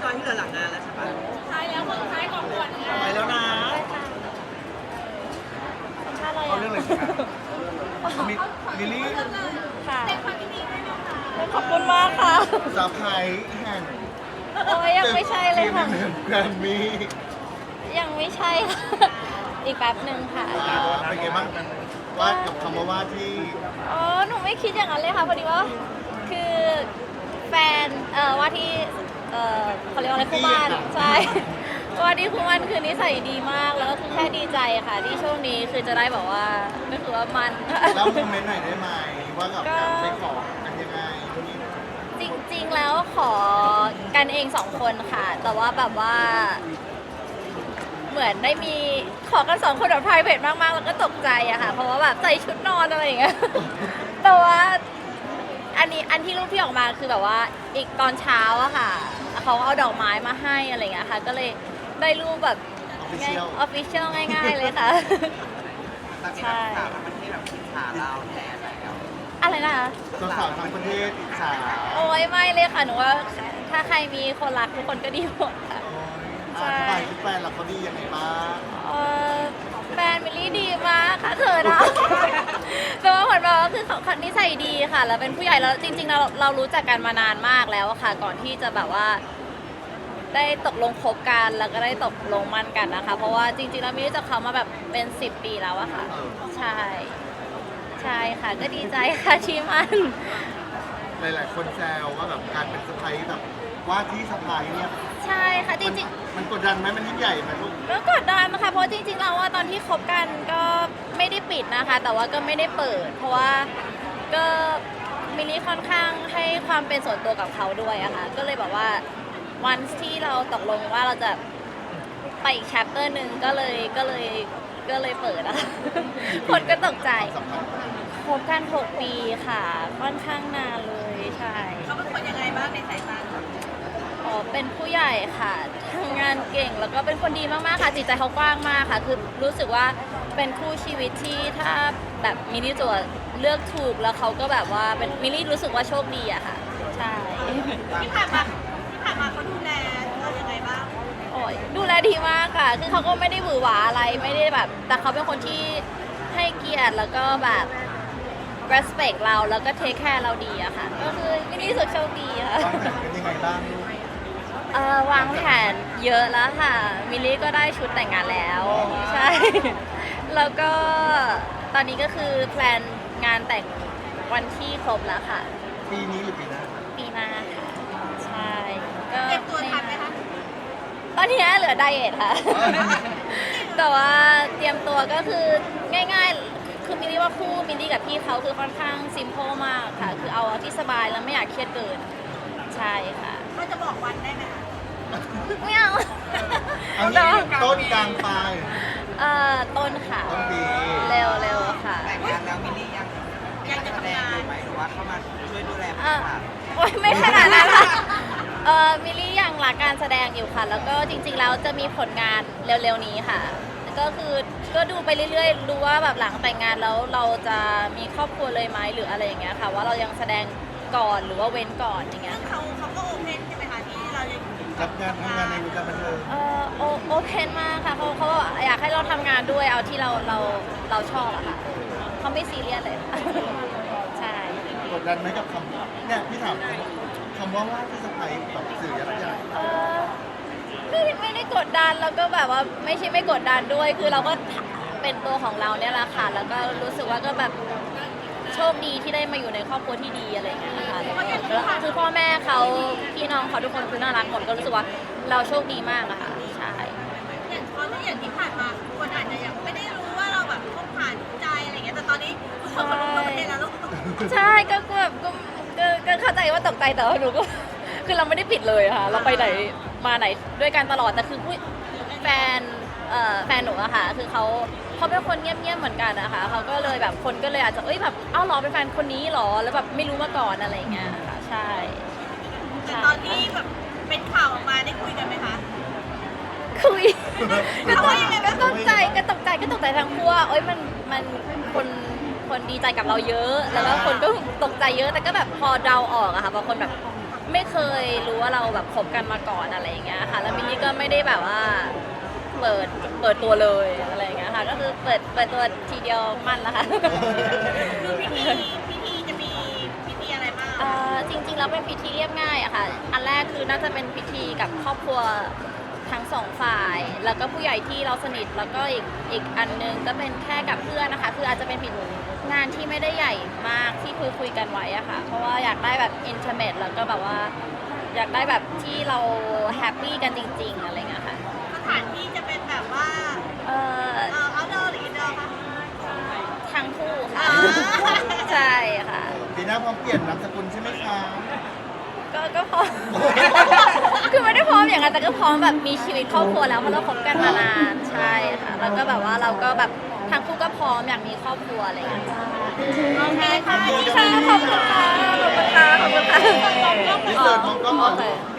อยที่เหลือหลังงานแล้วใช่ปะท้ายแล้วคนท้ายของขวัญงานไปแล้วนะชาอะไรเอาเรื่องอะไรกันลิลลี่ค่ะแต่ความยินดีด้วยนะคะขอบคุณมากค่ะสาวไพรส์แห่งโอ้ยยังไม่ใช่เลยค่ะแกรมมี่ยังไม่ใช่ค่ะ อีกแป๊บหนึ่งค่ะเป็นไงบ้างว่ากับคำว่าที่อ๋อ หนูไม่คิดอย่างนั้นเลยค่ะ พอดีว่า คือแฟน ว่าที่ เขาเรียกว่าอะไรคู่บ้าน ใช่ ว่าที่คู่บ้านคือนิสัยดีมาก แล้วก็คือแค่ดีใจค่ะ ที่ช่วงนี้คือจะได้แบบว่าก็คือว่ามันแล้วโมเมนต์ไหนได้ไหมว่ากับการไปขอกันยังไงจริงๆ แล้วขอกันเองสองคนค่ะ แต่ว่าแบบว่า เหมือนได้มีขอกันสองคนแบบ private มากๆ แล้วก็ตกใจอะค่ะ เพราะว่าแบบใส่ชุดนอนอะไรอย่างเงี้ย แต่ว่าอันที่รูปที่ออกมาคือแบบว่าอีกตอนเช้าอะค่ะ เขาเอาดอกไม้มาให้อะไรอย่างเงี้ยค่ะ ก็เลยได้รูปแบบออฟฟิเชียล official ง่ายๆ เลยค่ะ ใช่มันที่แบบอิจฉาเราแทนแล้วอะไรนะคะสาวๆทั้งประเทศอิจฉาโอ้ยไม่เลยค่ะ หนูว่าถ้าใครมีคนรักทุกคนก็ดีหมดค่ะ ใช่สบายที่แฟนเราเขาดียังไงบ้างเอ่อแฟนมิลลี่ดีมากค่ะเธอนะ แต่ว่าเหมือนแบบว่าคือเขานิสัยดีค่ะ แล้วเป็นผู้ใหญ่แล้วจริงๆเรารู้จักกันมานานมากแล้วอะค่ะ ก่อนที่จะแบบว่า ได้ตกลงคบกันแล้วก็ได้ตกลงมั่นกันนะคะ เพราะว่าจริงๆแล้วมิลลี่รู้จักเขามาแบบเป็น10 ปีแล้วอะค่ะ ใช่ ใช่ค่ะ ก็ดีใจค่ะที่มันหลายๆคนแซวว่าแบบการเป็นสะใภ้แบบว่าที่สะใภ้เนี่ยใช่ค่ะจริงๆมันกดดันไหมมันยิ่งใหญ่ไหมลูกก็กดดันนะคะเพราะจริงๆเราว่าตอนที่คบกันก็ไม่ได้ปิดนะคะ แต่ว่าก็ไม่ได้เปิด เพราะว่าก็มิลลี่ค่อนข้างให้ความเป็นส่วนตัวกับเขาด้วยอะค่ะก็เลยแบบว่าวันที่เราตกลงว่าเราจะไปอีกแชปเตอร์หนึ่งก็เลยเปิดอะ คนก็ตกใจสำคัญคบกัน6 ปีค่ะ ค่อนข้างนานเลยใช่เขาเป็นคนยังไงบ้างในสายตาอ๋อเป็นผู้ใหญ่ค่ะทำงานเก่งแล้วก็เป็นคนดีมากๆค่ะจิตใจเขากว้างมากค่ะ คือรู้สึกว่าเป็นคู่ชีวิตที่ถ้าแบบมิลลี่ตัวเลือกถูกแล้วเขาก็แบบว่าเป็นมิลลี่รู้สึกว่าโชคดีอะค่ะใช่ที่ผ่านมาเขาดูแลเรายังไงบ้างโอ้ยดูแลดีมากค่ะ คือเขาก็ไม่ได้หวือหวาอะไรไม่ได้แบบ แต่เขาเป็นคนที่ให้เกียรติแล้วก็แบบ respect เราแล้วก็ take care เราดีอะค่ะ ก็คือมิลลี่รู้สึกโชคดีค่ะวางแผนกันยังไงบ้างลูกวางแผนเยอะแล้วค่ะ มิลลี่ก็ได้ชุดแต่งงานแล้ว ใช่ แล้วก็ตอนนี้ก็คือแพลนงานแต่งวันที่ครบแล้วค่ะปีนี้หรือปีหน้าปีหน้าค่ะ ใช่ ก็เตรียมตัวทันไหมคะตอนนี้เหลือไดเอทค่ะ แต่ว่าเตรียมตัวก็คือง่ายๆ คือมิลลี่ว่าคู่มิลลี่กับพี่เขาคือค่อนข้างซิม p พ e มากค่ะ คือเอาที่สบายแล้วไม่อยากเครียดเกิน ใช่ค่ะเราจะบอกวันได้ไหมคะไม่เอาเอางี้ต้นกลางปลายต้นค่ะต้นปีเร็วๆค่ะแต่งงานแล้วมิลลี่ยังจะแสดทำงงาอน ยู่ไหมหรือว่าเข้ามาช่วยดูแลผู้อ่ะชายโอ๊ยไม่ขนาดนั้นค่ะมิลลี่ยังรักการแสดงอยู่ค่ะ แล้วก็จริงๆแล้วจะมีผลงานเร็วๆนี้ค่ะ ก็คือก็ดูไปเรื่อยๆ ดูว่าแบบหลังแต่งงานแล้วเราจะมีครอบครัวเลยไหมหรืออะไรอย่างเงี้ยค่ะ ว่าเรายังแสดงก่อนหรือว่าเว้นก่อนอย่างเงี้ยซึ่งเขาก็โอเพนใช่ไหมคะที่เรายังรับงานทำงานในวงการบันเทิงโอเพนมากค่ะเขาอยากให้เราทำงานด้วยเอาที่เราชอบอะค่ะเขาไม่ซีเรียสเลย ใช่กดดันไหมกับคำเนี่ยพี่ถามคำว่าที่สะใภ้แบบสื่อยักษ์ใหญ่ไม่ได้กดดันแล้วก็แบบว่าไม่ใช่ไม่กดดันด้วย คือเราก็เป็นตัวของเราเนี่ยแหละค่ะ แล้วก็รู้สึกว่าก็แบบโชคดีที่ได้มาอยู่ในครอบครัวที่ดีอะไรอย่างเงี้ยค่ะแล้วคือพ่อแม่เขาพี่น้องเขาทุกคนคือน่ารักหมดก็รู้สึกว่าเราโชคดีมากอะค่ะใช่อย่างตอนที่อย่างที่ผ่านมาคนอาจจะยังไม่ได้รู้ว่าเราแบบคบผ่านใจอะไรเงี้ยแต่ตอนนี้ทุกคนรู้ประเทศแล้วลูกใช่ก็แบบก็เข้าใจว่าตกใจแต่ว่าหนูก็ คือเราไม่ได้ปิดเลยค่ะ เราไปไหนมาไหนด้วยกันตลอดแต่คือแฟนแฟนหนูอะค่ะ คือเขาเป็นคนเงียบๆเหมือนกันนะคะเขาก็เลยแบบคนก็เลยอาจจะแบบเอ้าเหรอเป็นแฟนคนนี้เหรอแล้วแบบไม่รู้มาก่อนอะไรอย่างเงี้ยค่ะใช่แต่ตอนที่แบบเป็นข่าวออกมาได้คุยกันไหมคะคุยเขาว่ายังไงบ้างก็ตกใจทั้งคู่ว่ามันคนดีใจกับเราเยอะ แล้วก็คนก็ตกใจเยอะแต่ก็แบบพอเดาออกอะค่ะบางคนแบบไไม่เคยรู้ว่าเราแบบคบกันมาก่อนอะไรอย่างเงี้ยค่ะแล้วมิลลี่ก็ไม่ได้แบบว่าเปิดตัวเลยอะไรอย่างเงี้ยค่ะก็คือเปิดตัวทีเดียวมั่นแล้วค่ะคือพิธีจะมีพิธีอะไรบ้างจริงๆแล้วเป็นพิธีเรียบง่ายอะค่ะ อันแรกคือน่าจะเป็นพิธีกับครอบครัวทั้งสองฝ่าย แล้วก็ผู้ใหญ่ที่เราสนิท แล้วก็อีกอันนึงก็เป็นแค่กับเพื่อนนะคะ คืออาจจะเป็นผิดงานที่ไม่ได้ใหญ่มากที่คุยกันไว้อะค่ะ เพราะว่าอยากได้แบบอินเทอร์เน็ตแล้วก็แบบว่าอยากได้แบบที่เราแฮปปี้กันจริงๆอะไรเงี้ยค่ะสถานที่จะเป็นแบบว่า outdoor หรือ indoor คะทั้งคู่ค่ะอ๋อใช่ค่ะปีหน้าพร้อมเปลี่ยนนามสกุลใช่ไหมคะก็พร้อม คือไม่ได้พร้อมอย่างนั้นแต่ก็พร้อมแบบมีชีวิตครอบครัวแล้วเพราะเราคบกันมานานใช่ค่ะ แล้วก็แบบว่าเราก็แบบทั้งคู่ก็พร้อมอยากมีครอบครัวอะไรอย่างเงี้ยโอเคค่ะขอบคุณค่ะขอบคุณค่ะขอบคุณค่ะอินเสิร์ตมองกล้องก่อนโอเค